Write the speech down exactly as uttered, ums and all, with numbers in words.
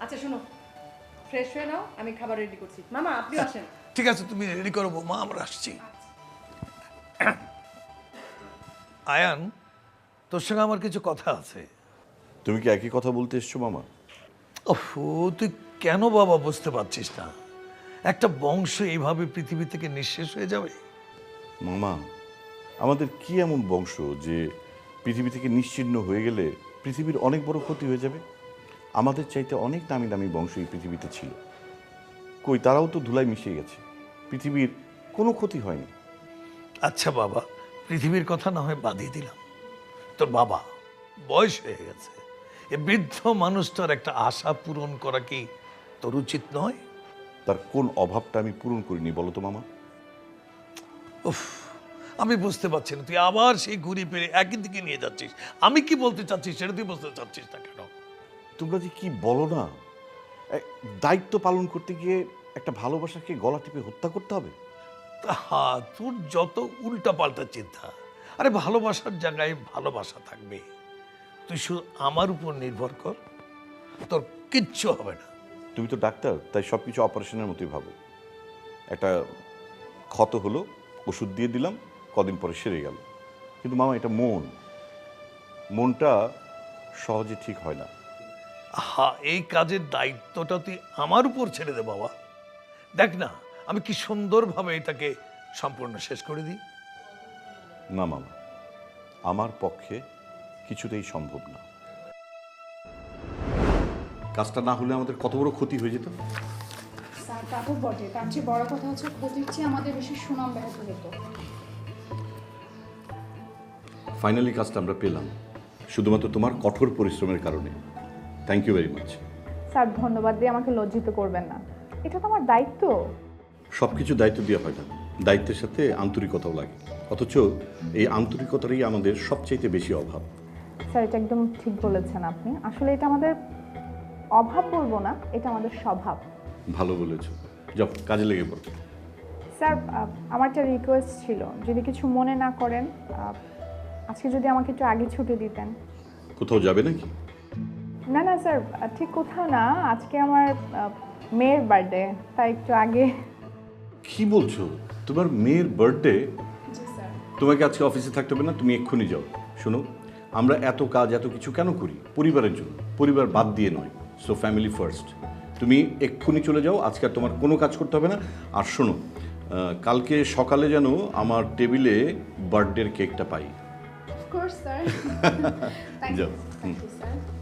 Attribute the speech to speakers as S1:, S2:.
S1: আচ্ছা শোনো, ফ্রেশ হয়ে নাও, আমি খাবার রেডি করছি। মামা আপনিও আসেন।
S2: ঠিক আছে, তুমি রেডি করো বৌমা, আমরা আসছি। আয়ান, তোর সঙ্গে আমার কিছু কথা আছে।
S3: তুমি কি একই কথা বলতে এসছো মামা?
S2: ওহ, তুই কেন বাবা বুঝতে পারছিস না? একটা বংশ এইভাবে পৃথিবী থেকে নিঃশেষ হয়ে যাবে?
S3: মামা, আমাদের কি এমন বংশ যে পৃথিবী থেকে নিশ্চিহ্ন হয়ে গেলে পৃথিবীর অনেক বড় ক্ষতি হয়ে যাবে? আমাদের চাইতে অনেক দামি দামি বংশ এই পৃথিবীতে ছিল, কই তারাও তো ধুলায় মিশে গেছে, পৃথিবীর কোনো ক্ষতি হয়নি।
S2: আচ্ছা বাবা, পৃথিবীর কথা না হয় বাদই দিলাম, তোর বাবা বয়স হয়ে গেছে, এ বৃদ্ধ মানুষটার একটা আশা পূরণ করা কি তোর উচিত নয়?
S3: তার কোন অভাবটা আমি পূরণ করিনি বলো তো মামা?
S2: উফ, আমি বুঝতে পারছি না, তুই আবার সেই ঘুরি ফিরে একই দিকে নিয়ে যাচ্ছিস। আমি কি বলতে চাচ্ছিস সেটা তুই বুঝতে চাচ্ছিস না কেন?
S3: তোমরা যে কি বলো না, এ, দায়িত্ব পালন করতে গিয়ে একটা ভালোবাসাকে গলা টিপে হত্যা করতে হবে?
S2: হা, তোর যত উল্টা পাল্টা চিন্তা। আরে ভালোবাসার জায়গায় ভালোবাসা থাকবে, তুই শুধু আমার উপর নির্ভর কর, তোর কিচ্ছু হবে না।
S3: তুমি তো ডাক্তার, তাই সব কিছু অপারেশনের মতোই ভাবো। একটা ক্ষত হলো, ওষুধ দিয়ে দিলাম, কদিন পরে সেরে গেল। কিন্তু মামা, এটা মন, মনটা সহজে ঠিক হয় না।
S2: হা, এই কাজের দায়িত্বটা তুই আমার উপর ছেড়ে দে বাবা। দেখ না, আমি কি সুন্দরভাবে এটাকে সম্পূর্ণ শেষ করে দিই।
S3: না মামা, আমার পক্ষে কিছুতেই সম্ভব না। কাজটা না হলে আমাদের কত বড় ক্ষতি হয়ে যেত।
S4: স্যার তা তো বটে, তার চেয়ে বড় কথা হচ্ছে ক্ষতির চেয়ে আমাদের বেশি সুনাম ব্যাহত হতো।
S3: ফাইনালি কাজটা আমরা পেলাম, শুধুমাত্র তোমার কঠোর পরিশ্রমের কারণে। Thank you very much.
S5: Sir ধন্যবাদ দিয়ে আমাকে লজ্জিত করবেন না, এটা তো আমার দায়িত্ব।
S3: সব কিছু দায়িত্ব দেওয়া হয় না, দায়িত্বের সাথে আন্তরিকতাও লাগে, অথচ এই আন্তরিকতারই আমাদের সবচাইতে বেশি অভাব।
S5: স্যার এটা একদম ঠিক বলেছেন আপনি, আসলে এটা আমাদের অভাব বলবো না, এটা আমাদের স্বভাব।
S3: ভালো বলেছো, যাও কাজে লেগে পড়ো।
S5: স্যার আহ, আমার একটা রিকোয়েস্ট ছিল, যদি কিছু মনে না করেন, আহ, আজকে যদি আমাকে একটু আগে ছুটি দিতেন।
S3: কোথাও যাবে নাকি?
S5: না না স্যার, আহ, ঠিক কোথাও না, আজকে আমার আহ, মেয়ের বার্থডে, তাই একটু আগে।
S3: কি বলছো? তোমার মেয়ের বার্থডে?
S4: জি স্যার।
S3: তোমাকে আজকে অফিসে থাকতে হবে না, তুমি এক্ষুনি যাও। শোনো, আমরা এত কাজ এত কিছু কেন করি? পরিবারের জন্য, পরিবার বাদ দিয়ে নয়। So family first. তুমি এক্ষুনি চলে যাও, আজকে আর তোমার কোনো কাজ করতে হবে না। আর শোনো, আহ, কালকে সকালে যেন আমার টেবিলে বার্থডের কেকটা পাই।
S4: Of course sir. Thank you
S3: যাও।
S4: Thank you sir.